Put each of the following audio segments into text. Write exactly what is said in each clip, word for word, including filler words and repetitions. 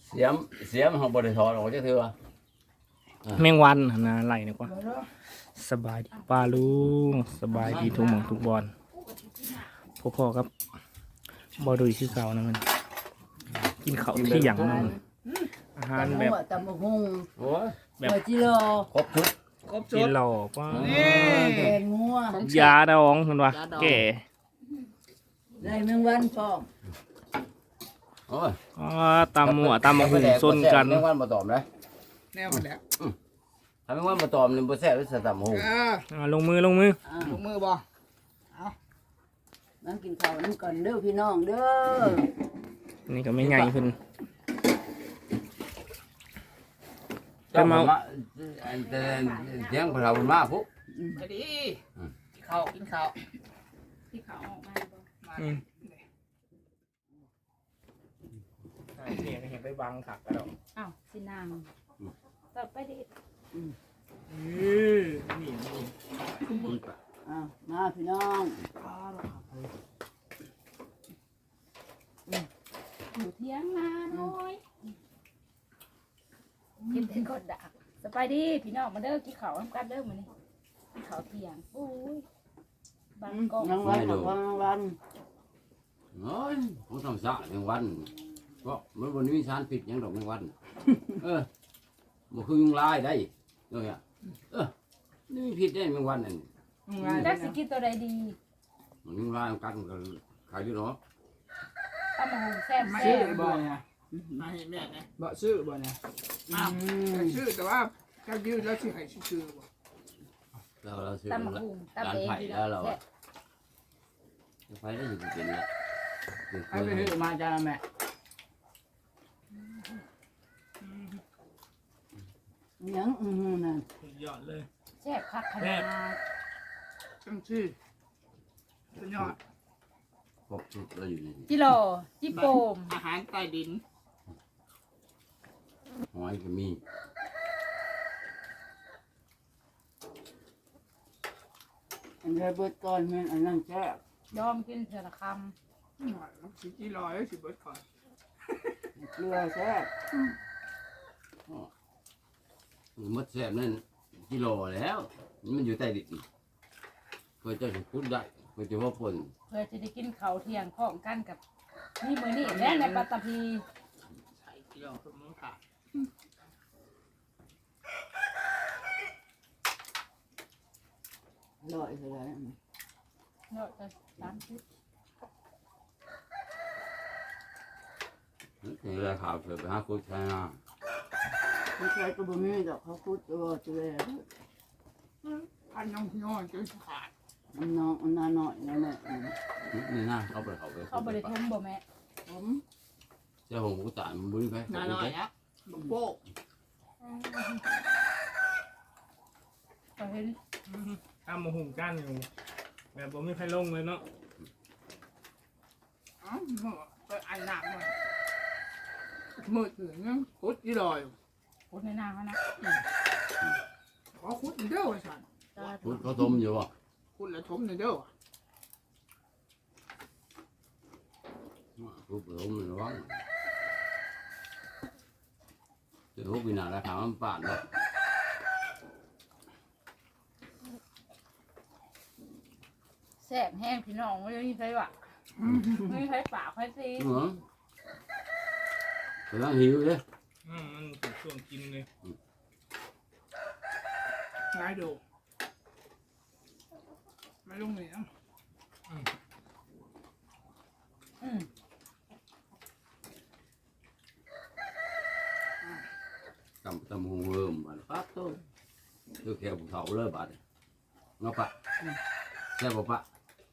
เสียมเสียมเขาบริถอดออกจากเถื่อแมงวันหั่นนะไหลดีกว่าสบายดีป้าลุงสบายดีทุกหมองทุกบอลพ่อๆครับบอดุยชื่อเก่านะมันกินข้าวเที่ยงนั่นอาหารแบบตำบักหุ่งโอ้ยแบบจิโร่ครบชุดครบกิชุนดเหล้าป้าแกงงัวยาดองมันวะแก่ได้แมงวันพร้อมโอ้ยอ๋อตำหมัวตำมะหุ่งซนกันแมงวันมาตอมเลยแนวมันแล้วถ้าแมงวันมาตอมนี่บ่แซ่บหรือสตับหูเอออ่าลงมือลงมืออ่าลงมือบ่นั่งกินข้าวน้ำก่อนเด้อพี่น้องเด้อนี่ก็ไม่ไงเพิ่นเจ้ามาเสียงพระเรามาปุ๊บก็ดีกินข้าวกินข้าวที่เขาออกมาบ่มาอืมเนี่ยเห็นไปบังขักกันแล้วอ้าวสินางต่อไปดิเออนี่นี่อ่ามาพี่น้องอยู่เที่ยงนาน้อยกินเป็นคนดักสบายดีพี่น้องมาเด้อกินข้าวน้ำกันเด้อมื้อนี้กินข้าวเที่ยงโอ้ยบางกอกรางวัลของรางวัลโอ้ยผมทำสะแมงวันก็มันบนนี้มีสารพิษหยังดอกแมงวันเออบ่คือยุงลายได้เนี่ยเออนี่มีพิษได้แมงวันนั่นจักสิกินตัวใดดีมันยุงลายมันกัดมันก็ขายอยู่เนาะตำมะฮุงแซ่บไม่แซ่ชื่บอบ่เนี่ยมาเห็นแม่นะบ่ชื่อบ่เนี่ยอ้าวแต่ชื่อแต่ว่าถ้ายืดแล้วชื่อให้ชื่อบ่เราเราซื้อตำมะฮุงตำเองพี่น้องแซ่บไฟได้อยู่เป็นละให้ไปถือมาจ้าแม่ยังอือหือนั่นยอดเลยแซ่บคักขนาดตั้งชื่อสุดยอดครบชุดเราอยู่ในนี้จิโลจิโปมอาหารใต้ดินหอยก็มีอันนี้เบิดก่อนแม่นอันนั้นแซ่บยอมกินเถื่อละคมันสิกี่ร้อยสิเบิดก่อนเกลือแซ่บมดแซ่บนั่นกิโลแล้วมันอยู่ใต้ดินเพื่อจะพูดได้เพื่อจะว่าปนำเพื่อจะได้กินข้าวเที่ยงพร้อมกันกับนี่มื้อนี้แม่ในปัตตภีใส่เกลือสมุนไพรอร่อยเลยเนาะจะสามสิบนี่ราคาเกิดไปห้าคุดใช่ไหมไม่ใช่ตัวบะหมี่ดอกเขาพูดตัวตัวแล้วพันน้องน้อยจนขาดมันน้องมันน้อยหน่อยนั่นแหละนี่นะเขาไปเขาไปเขาบริทุ่มบ่แม่ผมเจ้าผมก็ตายมันบุ้ยไปน้าน้อยนะบักโป๊กก็เห็นตำมะหุ่งกันอยู่แบบผมไม่ใครลงเลยเนาะอ๋อไปอันหนักมามือถือเนี่ยคุดยี่ลอยพูดในหน้าเขานะขอคุดเด้อไอ้สันคุดเขาต้มอยู่ป่ะคุดแล้วชมเด้อคุดต้มอยู่ว่างเจ้าพวกปีนาราคามันป่านเลยแซ่บแห้งพี่น้องไม่มีใครวะไม่มีใครปากใครซีเหรอแต่ต้องหิวเลยอืมมันเป็นช่วงกินเลยง่ายดูไม่ลงเลยนะอืมตำตำหงเริ่มมาปั๊บต้นคือแค่ภูเขาเลยบาดเนาะปะแซ่บปะ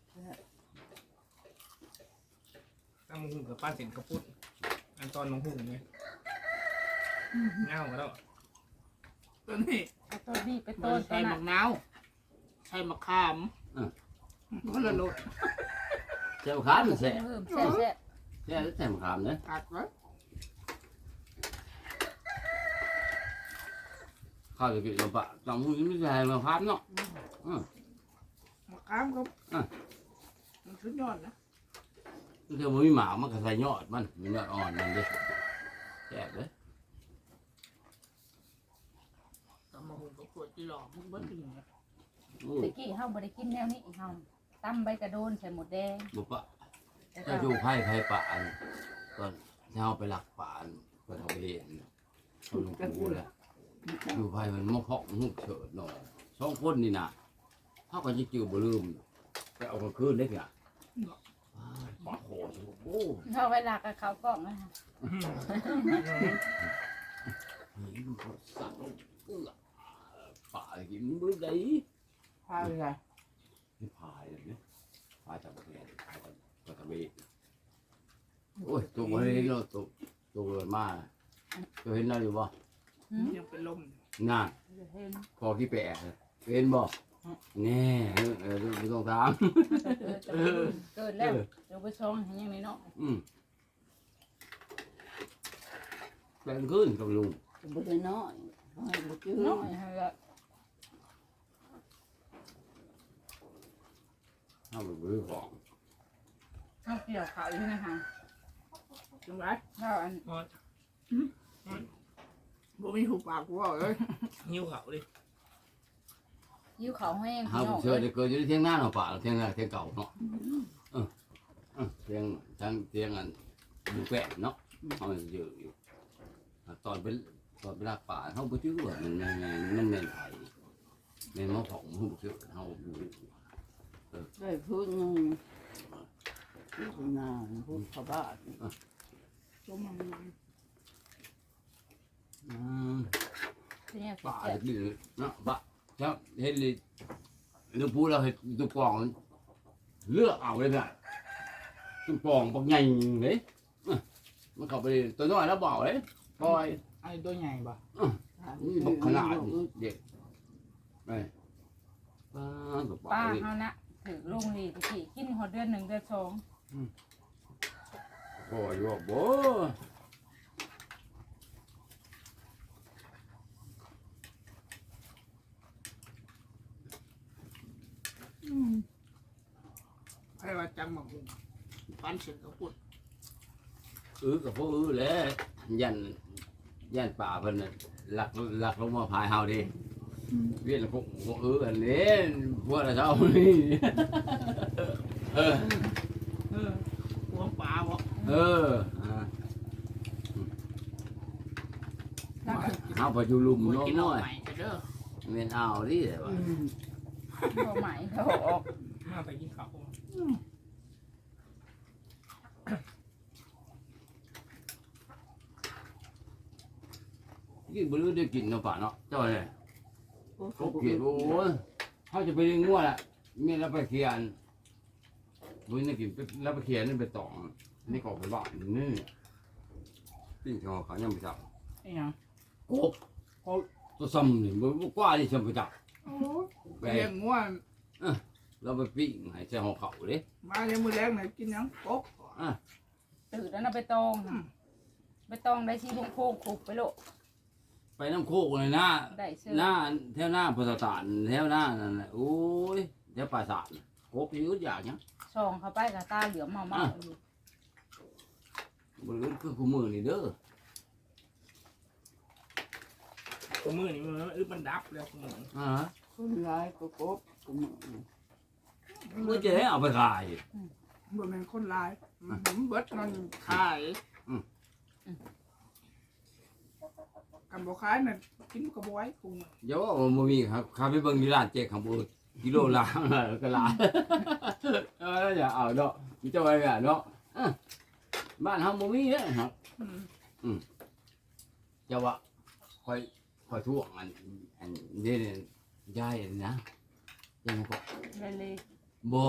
ตำมะหุ่งกับป้าเสียนกระปุ้นอันตอนมะหุ่งไงเงาแล้วตัวนี้เอาตัวนี้ไปมัต้นนตัใส่วมะนั้นนาวใส่มะขามคนละรสแซ่บขามแซ่บเพิ่มแซ่บแซ่บแซ่บแซ่บขามเนี่ยตัดไว้ข้าวจะกินกับปะตำหงไม่ใช่มาพับเนาะมะขามก็มันสุดยอดนะคือมันมีหมากมันก็ใส่ยอดมันมียอดอ่อนมันดิแซ่บเลยตำมะฮุงกับขวดจีหลอกมันบ่ถึงนะอู้ตะกี้เฮาบ่ได้กินแนวนี้เฮาตำใบกระโดนใส่หมดแดงบุปะแล้วถ้าก็ดูไพ่ไพ่ป่านตอนที่เราไปหลักป่านก็ทำไปเห็นเขาลงปูแหละดูไพ่มันมะเพาะหุบเฉิดหน่อยสองคนนี่นะเขาก็จะจืดบ่ลืมแต่เอามาคืนได้ไงปากโหดโอ้เฮาไว้ลากกับเขากล้องนะคะยมันก็สั่งเอื้อป่ากินมื้อใดพาเลยนี่พายเลยเนี่ยพายจากประเทศพายจากประเทศโอ้ยตัวมันเนาะตัวตัวเกิดมาตัวเห็นได้อยู่บ่หืมยังเป็นลมน่าเห็นพอกี่แปะเป็นบ่แน่เออดูต้องถามเกิดเกิดแล้วเดี๋ยวไปชงให้ยังไงเนาะอืมแปลงขึ้นกับลุงบ่ได้น้อยให้บ่จื้อเนาะให้ละถ้ามันบื้อของเฮาเกี่ยวเขาอยู่นะคะจังไรเฮาอันบ่มีหูปากกูเอาเลยหิ้วเขาดิยิ้วเขาแห้งถ้าพี่ผน้อมงเชื่อจะเกิดอยู่ที่เที่ยงหน้าเนาะป่าเที่ยงหน้าเที่ยงเก่าเนาะเออเออเที่ยงทั้งเที่ยงอันดูแปะเนาะเขามันเยอะอยู่ตอนเป็นตอนเป็นรักป่าเขาบ่จื้อว่ามันมันมันแม่นไผแม่นมะของหูเชื่อเขาอยู่ได้พื้นนึงพื้นนาพื้นเขาบ้านจมมันอืมที่นี่ป่าเจ็บดีเนาะป่าแล้วเห็นเลยเรื่องพูดเราเห็นตัวกองเลือกเอาเลยเนี่ยตัวกองปักใหญ่เลยมันเข้าไปตัวน้อยแล้วเบาเลยปล่อยไอ้ตัวใหญ่ป่ะนี่บักขนาดเด็กไปป้ากับป้าป้าเฮานะถือลงดีตะกี้กินหอดเดือนหนึ่งเดือนสองโอ้ยว่าโบใครว่าจำมะฮุงปันเสร็จก็พูดอื้อกับพวกอื้อแหล้วยันยันป่าเพิ่นน่ะหลักหลักลงมาพายเฮาดิเวียนพวกพวกอื้ออันนี้พวกเราเจ้านี่เออเออหัวปลาบ่เอออ่าเฮาไปอยู่ลุมหัวน้กินเอาอยใหม่กันเด้อๆแม่นเอาดิแต่ว่าบ่ไหมเขาออกมาไปกินข้าวกินบ่รู้ได้กินเนาะป่าเนาะเจ้าเนี่ยเขาเกลียดโอ้ยเฮาจะไปเลี้ยงงัวแหละแม่เราไปเขียนบ่ได้กินไปแล้วไปเขียนนี่ไปตองนี่ก็ไปบ้านนี่ปิ้งเขาเขายังไม่จับไอ้หยังกบเขาตัวซ้ำนี่บ่บ่กว่าที่ซ้ำไปจับไปเลี้ยงงัวเราไปปิ้งให้ใส่ห่อเขาเด้มาเลี้ยงมื้อแรกน่ะกินหยังกบตื่นแล้วนะไปตองค่ะไปตองได้ชีพงโค้งคุบไปโลไปน้ำโคกเลยนะได้เสื้อหน้าแถวหน้าพุทธตานแถวหน้านั่นแหละโอ้ยแถวปราสาทน่ะกบอยู่อย่างเนี้ยช่องเข้าไปกับตาเหลือมเมาเมาอยู่บ่รู้คือคู่มือนี่เด้อตัวมือนี่มันอึดมันดับแล้วคุณหมออ่าคนร้ายก็กบก็มือเมื่อจะให้เอาไปขายบ่แม่นคนหลายผมเบิดมันขายกันบ่ขายน่ะกินก็บ่ไหวคุงเดี๋ยวว่าบ่มีครับข้าไปเบิ่งที่ร้านเจ๊ข้างบนกิโลละแล้วก็ละเอออย่าเอาเนาะมีเจ้าไว้อ่ะเนาะอ่ะบ้านเฮาบ่มีเด้อครับอืมเจ้าว่าค่อยค่อยท่วงอันอันนี้เนี่ยยายอันนะยังก็เลยเลยบ่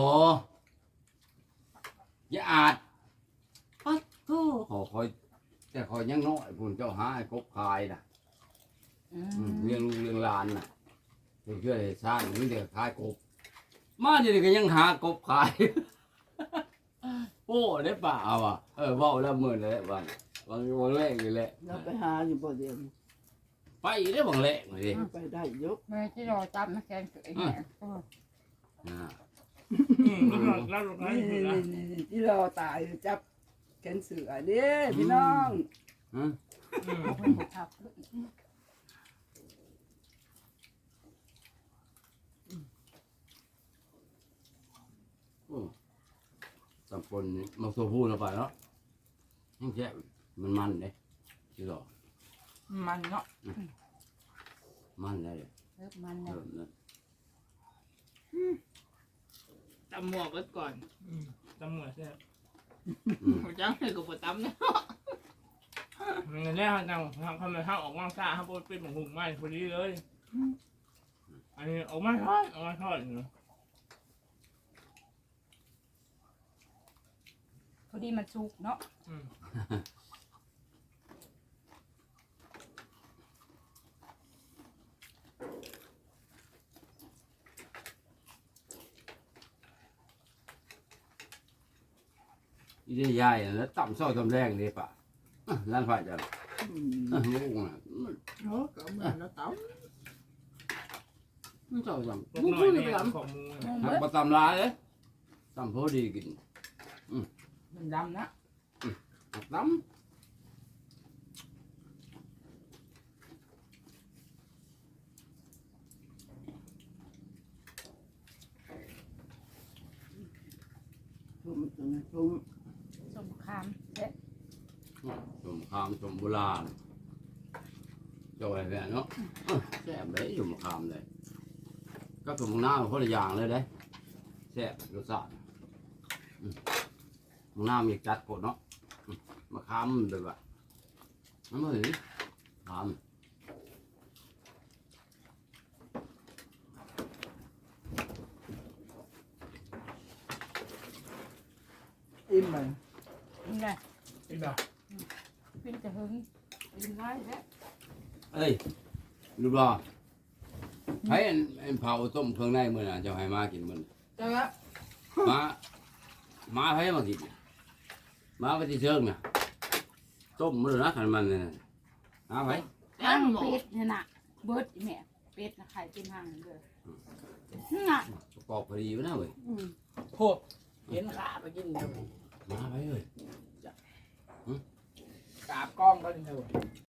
อย่าอาจปัดโธ่ขอคอยแต่คอยยังน้อยพุ่นเจ้าหาให้กบขายน่ะอือืมมเลี้ยงลูกเลี้ยงหลานน่ะเพื่อช่วยสร้างนี่เดี๋ยวขายกบ มาเดี๋ยวนี้ก็ยังหากบขาย โอ้ได้ป่าว่ะเออเว้าแล้วมื้อแล้ววันวันวันแรกนี่แหละเราไปหาอยู่บ่เดียวไปได้บางแรกเลยดิไปได้ยกแม่ที่รอจับนะแกงเกยเนี่ยอ่าแล้วลงนั้นนี่นะนี่ที่เราตายจับแขนเสือเด้พี่น้องฮะครับโอ้ตำปนนี่มักตัวผู้แล้วไปเนาะยังแค่มันมันเด้ที่หรอมันเนาะมันได้เลยเริ่มมันเอแล้วอนั่นตำหมวกไว้ก่อนตำรวจเนี่ยอืมเขาจ้างให้กูไปตำเนี่ยมันแรกเขาจังทำไมเขาออกมาซ่าเขาเป็นหมูหุ่นไม้พอดีเลยอันนี้ออกมาทอดออกมาทอดอยู่พอดีมันสุกเนาะอีเดียยายแล้วต่ำซอยตำแรงเลยปะอ่ะร้านไฟจะอืมอ่ะงูน่ะโอ้ก็เหมือนเราตมันซอยตพวกหน่อยเนี่ยของมูำหักมาตำลายเลยตำพอดีกินำมันดำนะหักตชุ่มจนชุ่มส้มคามเด็ดำสมคามสมโบราณเจ้าไอ้แม่เนาะอ่ะแซ่บเลยสมคามเลยก็สมหน้าคนละอย่างเลยเด้แซ่บรสชาติอืมมึงหน้ามีจัดกดเนาะอืมมาคามเลยว่ะน้ำมันคามอิ่มมันนี่ไงอิ่มแบบเป็นจะหึงเป็นไรแท้เอ้ยลูกรอให้อันอันเผาต้มเครื่องในมื้อน่ะเจ้าให้มากินมื้อน่ะเจ้าละมามาให้มากินน่ะมาไปที่เชิงน่ะต้มมื้อนะคันมันน่ะมาไปย่างเป็ดนี่น่ะเบิดอีแม่เป็ดนะไข่เป็นห่างเลยนี่น่ะประกอบพอดีอยู่นะเว้ยอืมโคตรเห็นขาไปกินเดียวมาไปเว้ยกราบกล้องก็เลยเถอะ